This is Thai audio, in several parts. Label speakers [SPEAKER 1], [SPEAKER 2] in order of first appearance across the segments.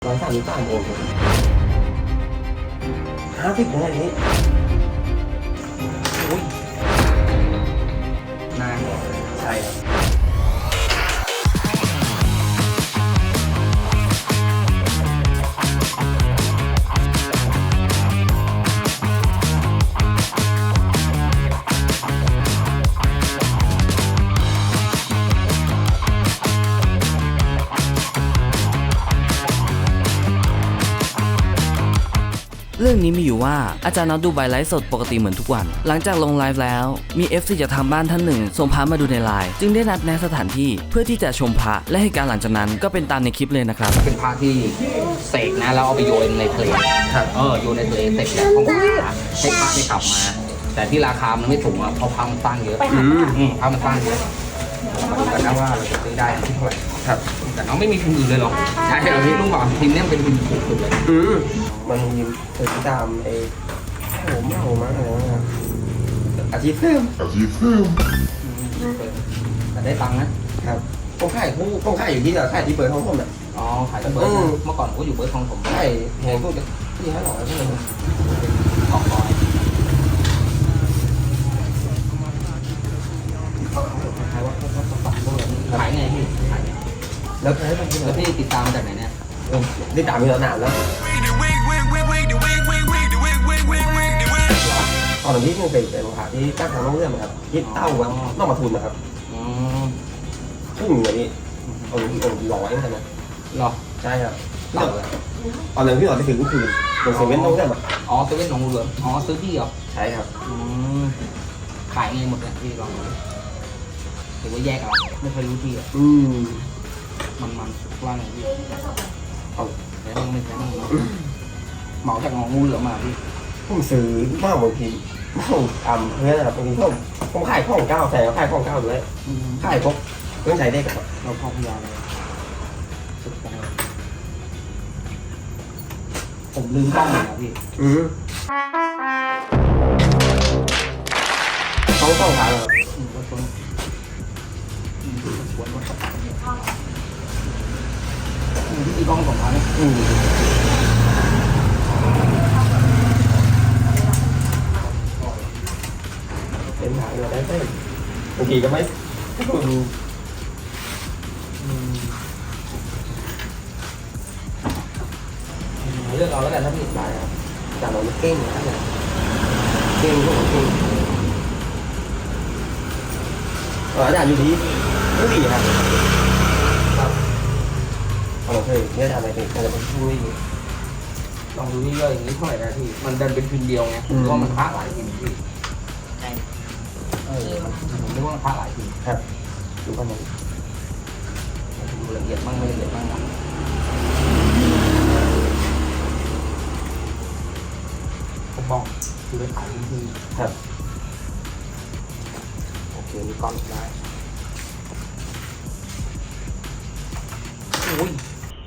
[SPEAKER 1] 133 โอห์ม50นะอันนี้
[SPEAKER 2] อุ้ยนาน
[SPEAKER 1] ใช่ครับ
[SPEAKER 3] เรื่องนี้มีอยู่ว่าอาจารย์น็อตดูใบไลฟ์สดปกติเหมือนทุกวันหลังจากลงไลฟ์แล้วมี FC จากทางบ้านท่านหนึ่งส่งพระมาดูในไลน์จึงได้นัดแนะสถานที่เพื่อที่จะชมพระและเหตุการณ์หลังจากนั้นก็เป็นตามในคลิปเลยนะครับ
[SPEAKER 2] เป็นพระที่เสกนะแล้วเอาไปโยนในทะเล
[SPEAKER 1] ครับ
[SPEAKER 2] โยนในทะเลเสร็จแล้วเขาก็ให้พระได้กลับมาแต่ที่ราคามันไม่ถูกเพราะพระมันสร้างเยอะพระมันสร้างเยอะมาดูกันนะว่าเราจะซื้อได้ที่เท่าไหร่
[SPEAKER 1] ครับ
[SPEAKER 2] แต่น้องไม่มีพิมพ์อื่นเลยหรอใช่เราที่ลุงบอกพิมพ์นี้เป็นพิมพ์ถูกสุดเลย
[SPEAKER 1] มันมีถึงตามผมมากอะไรนะครับอาชีพเพิ่ม
[SPEAKER 2] แต่ได้ตังค์นะครับ
[SPEAKER 1] ต้องขายอยู่ที่ขายที่เปิดห้องผมอ่ะ
[SPEAKER 2] ขายที่เปิดเมื่อก่อนผมก็อยู่เปิดห้องผม
[SPEAKER 1] ใช่แหงพวกที่500ที่มัน
[SPEAKER 2] 200ขายไงพี่ขาย
[SPEAKER 1] แล้ว
[SPEAKER 2] พี่ติดตามจากไหนเนี่ย
[SPEAKER 1] ได้ตามมีแล้วนานแล้วตอนนี้มันเป็นพระที่ตั้งทางน้องเรื่องนะครับที่เต้าวัดนอกมาทุนนะครับซึ่งอย่างนี้องค์100ใช่ไหม
[SPEAKER 2] หรอ
[SPEAKER 1] ใช่ครับตอนนั้นพี่หลอดไปถึงก็คือโดนเซเว่นน้องเรื่องอ่ะ
[SPEAKER 2] เซเว่นหนองเหลืองซื้อที่เหรอ
[SPEAKER 1] ใช่ครับ
[SPEAKER 2] ขายไงหมดเนี่ยพี่ลองดูหรือว่าแยกอะไรไม่เคยรู้ที่อ่ะมันว่าไงพี่แต่ต้องไม่ใช่เหมาจากหนองงูเหลือมาพี่
[SPEAKER 1] ผมซื้อมากบางทีผมเพื่อนนะครับบางทีผมขายของเก้าแต่ขายของเก้าด้วยขายพวกเครื่องใช้ได้กับ
[SPEAKER 2] เราพอพยาเลยสุดยอดผมลืมกล้องเลยนะพี่
[SPEAKER 1] ต้องทางครับ
[SPEAKER 2] ที่กล้องของเขาเนี่ย
[SPEAKER 1] เป็นหางเราได้ไหมบางทีก็ไม่
[SPEAKER 2] เลือกเอาแล้วกันถ้าพี่
[SPEAKER 1] ได้ครับแต่เราไม่เก่งนะเก่งก็เก่งอาจารย์อยู่ดีไม่ดีครับเราเคยเนี่ยทำอะไรเป็นอะไรเป็นช่วย
[SPEAKER 2] ลองดูนี่เลยอย่างนี้เท่าไหร่นะพี่มันดันเป็นพิมพ์เดียวไงเพราะมันพระหลายพิมพ์พี่ใช่ผมนึกว่ามันพระหลายพิมพ์
[SPEAKER 1] ครับดูประมาณ
[SPEAKER 2] ดูละเอียดบ้างไม่ละเอียดบ้างนะผมบอกคือเป็นขายพิมพ์
[SPEAKER 1] ครับ
[SPEAKER 2] โอเคมีก้อนได้โอ้ย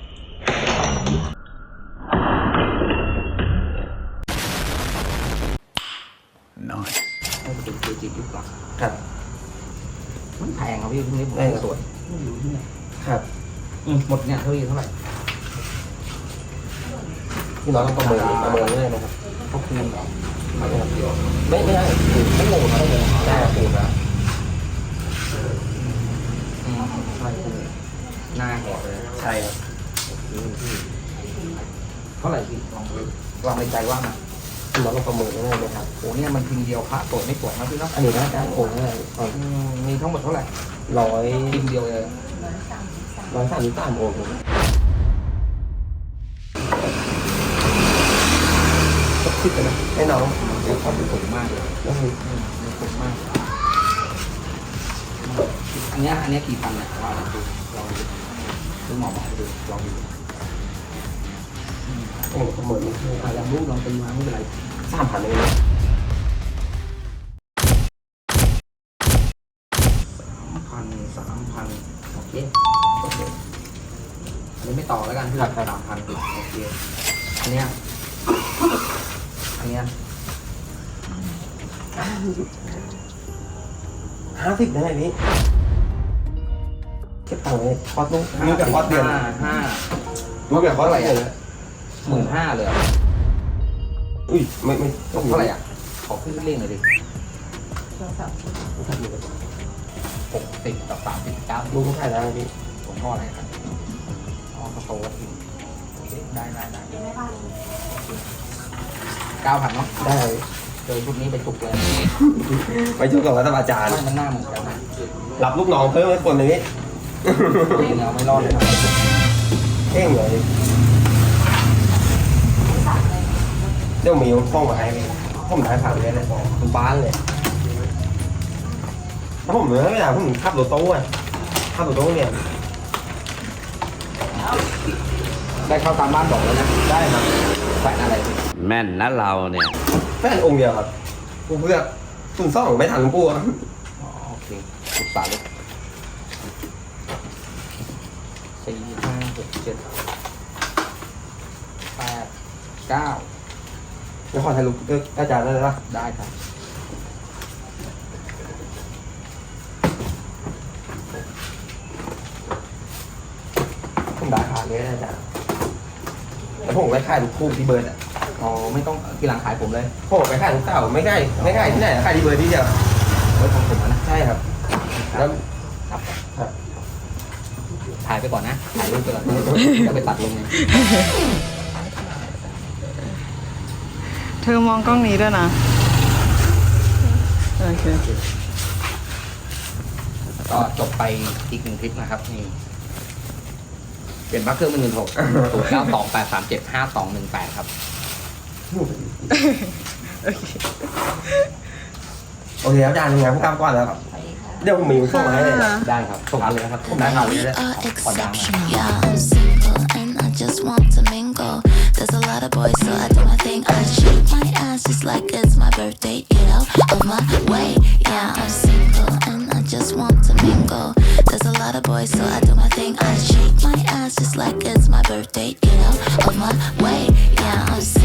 [SPEAKER 2] ให้เป็นเกจิยุคหลัง
[SPEAKER 1] ครับ
[SPEAKER 2] มันแพงครับพี่พวกนี้ผมไม่สวยไม่รู้ที่ไหน
[SPEAKER 1] ครับ
[SPEAKER 2] หมดเนี่ยเท่าไหร่
[SPEAKER 1] พี่น้องต้องประเมินเลยนะครับ
[SPEAKER 2] เขาคูณเหรอ
[SPEAKER 1] ไม่ได้ไม่โง่ครับได้คูณนะ
[SPEAKER 2] ใช่คูณหน้าหัวเลย
[SPEAKER 1] ใช่ครับ
[SPEAKER 2] เท่าไหร่พี่ลองในใจว่ามา
[SPEAKER 1] พี่น้องต้องประเมินได้เลยครับ
[SPEAKER 2] โอ้เนี่ยมันพิมพ์เดียวพระสวยไม่สวยนะพี่เนาะ
[SPEAKER 1] อันนี้นะโอ้โห
[SPEAKER 2] มีทั้งหมดเท่าไหร่พิมพ์เดียวเลย
[SPEAKER 1] 133 โอห์มคิดกันนะให้น้อง
[SPEAKER 2] เดี๋ยวเขาดูสวยมากเลยสวยมากอันนี้กี่พันเนี่ยว่าดูลองดูหมอดูลองดู
[SPEAKER 1] ประเมิน
[SPEAKER 2] ลองรูปลองตีมาไม่เป็นไร
[SPEAKER 1] 3,000เลยนะ
[SPEAKER 2] 3,000โอเคอันนี้ไม่ต่อแล้วกันที่ราคา3,000โอเคอันเนี้ย
[SPEAKER 1] 50นะอันนี้เก็บตังค์ไว้คอร์สนู้นนี่กับคอร์สเดือนรู้แบบเขาอะไรอ่ะ
[SPEAKER 2] 15,000เลยเหรอ
[SPEAKER 1] อุ้ยไม่
[SPEAKER 2] ตกเท่าไหร่อ่ะขอขึ้นเร่งหน่อยดิ60กับ39
[SPEAKER 1] รู้ไม่ใช่แล้วพี่
[SPEAKER 2] ผมพ่ออะไรครับอ๋อกระโปรงทีโอเคได้9,000เนาะ
[SPEAKER 1] ได้
[SPEAKER 2] เจอชุดนี้ไปจุกเลย
[SPEAKER 1] ไปช่วยกับรัฐบาลจารย์
[SPEAKER 2] ไม่มันหน้าเหมือนกันนะ
[SPEAKER 1] รับลูกน้องเพิ่มให้คนหนึ่งนี่
[SPEAKER 2] เองเอาไม่รอดเลยครับ
[SPEAKER 1] เท่งเลยเดี๋ยวมีห้องมาให้ผมได้ผ่านเลยนะคุณบ้านเลยถ้าผมไม่ได้ผมขับรถตู้อ่ะขับรถตู้เนี่ย
[SPEAKER 2] ได้เข้าตามบ้านบอกแล้วนะ
[SPEAKER 1] ได้ครับ
[SPEAKER 2] แขวนอะไรพี่
[SPEAKER 4] แม่นนะเราเนี่ย
[SPEAKER 1] แฟนองค์เดียวครับกูเพื่อคุณซ่องไม่ทันหลวงปู่ครับ
[SPEAKER 2] อ๋อโอเคปรึกษาเลย4 5 6 7 8 9
[SPEAKER 1] แล้วขอถ่ายรูปด้วยอาจารย์ได้ไหมล่ะ
[SPEAKER 2] ได้ครับ
[SPEAKER 1] ผมได้ผ่านเลยนะอาจารย์แล้วผมไปขายลูกคู่ที่เบิร์ดอ่ะ
[SPEAKER 2] อ๋อไม่ต้องทีหลังขายผมเลย
[SPEAKER 1] ผมไปขายลูกเต่าไม่ใกล้ที่ไหนขายที่เบิร์ดที่เดียว
[SPEAKER 2] ไว้ของผมนะ
[SPEAKER 1] ใช่ครับแล้ว
[SPEAKER 2] ครับ
[SPEAKER 1] ครับ
[SPEAKER 2] ถ่ายไปก่อนนะถ่ายรูปไปก่อนจะไปตัดลงไง
[SPEAKER 5] เธอมองกล้องนี้ด้วยนะ โอเค
[SPEAKER 2] ก็จบไปอีก1คลิปนะครับนี่เปลี่ยนพระเครื่องเป็น16 0928375218ครับ
[SPEAKER 1] โอเคอาจารย์ทำงานผู้กำก่อนแล้วครับเดี๋ยวผมมีส่งมาให้เลย
[SPEAKER 2] ได้ครับส่งมาเลยนะครับผมได้ข่าวเลยนะ
[SPEAKER 6] are
[SPEAKER 2] ขอดังนะ
[SPEAKER 6] exceptional. Yeah, I'm single and I just want to mingle. There's a lot of boys, so I do my thing. I shake my ass just like it's my birthday. Get out of my way. Yeah, I'm single and I just want to mingle. There's a lot of boys, so I do my thing. I shake my ass just like it's my birthday. Get out of my way. Yeah, I'm single.